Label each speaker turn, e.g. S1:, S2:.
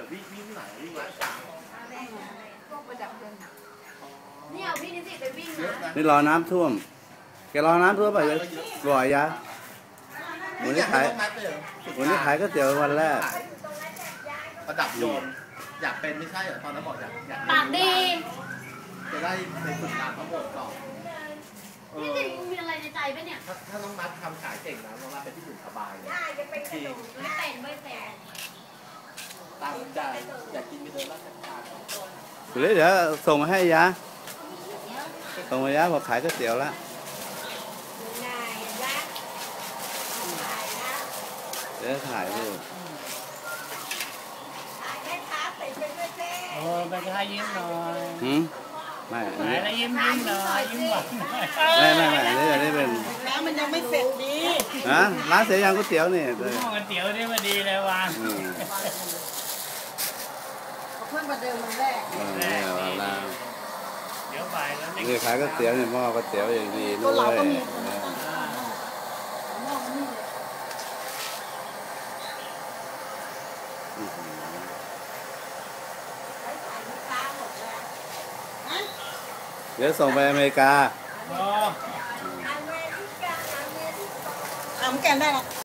S1: วิ่งไหนวิ่งไหน
S2: พวกประดับเพลิงนี่เอาพี่นิสิตไปวิ่งนะ
S3: นี่รอน้ำท่วมแกรอน้ำท่วมไปเลยบ่อยยะวันนี้ขายก๋วยเตี๋ยววันแรก
S1: ประดับโยนอยากเป็นไม่ใช่เหรอตอนนั้นบอกอยาก
S2: ปากดี
S1: จะได้ไปฝึกงานทั้งหมดก่อน
S2: นี่จริงมีอะไรในใจปะเนี่ย
S1: ถ้าน้องมัดทำขายเก่งนะน้องมัดเป็นที่อยู่สบายเลยจริง
S2: ไม่เป็น
S1: ตามใจอยากกินมีเดินราชการ
S3: เดี๋ยวส่งมาให้ยะส่งมายะบอกขายก๋วยเตี๋ยวแล้วเดี๋ยวถ่ายดู
S4: ไปท้ายิ้มหน่อย
S3: ไม่
S4: ไหนแล้วยิ้มหน่อยยิ้มหวาน
S3: ไม่อันนี้เป็น
S5: ร้านมันยังไม่เสร็จดี
S3: นะร้านเสียยังก๋วยเตี๋ยวนี่
S4: หม้อก๋วยเตี๋ยวนี่มาดีเลยวาง
S5: เพิ่งมาเดิมมันแรก
S4: เดี๋ยวบ่ายแล้ว
S3: นี่ขายก๋วยเตี๋ยวนี่หม้อก๋วยเตี๋ยวอย่างดีด้วยเดี๋ยวส่งไปอเมริกา
S5: เอาแกนได้หรอ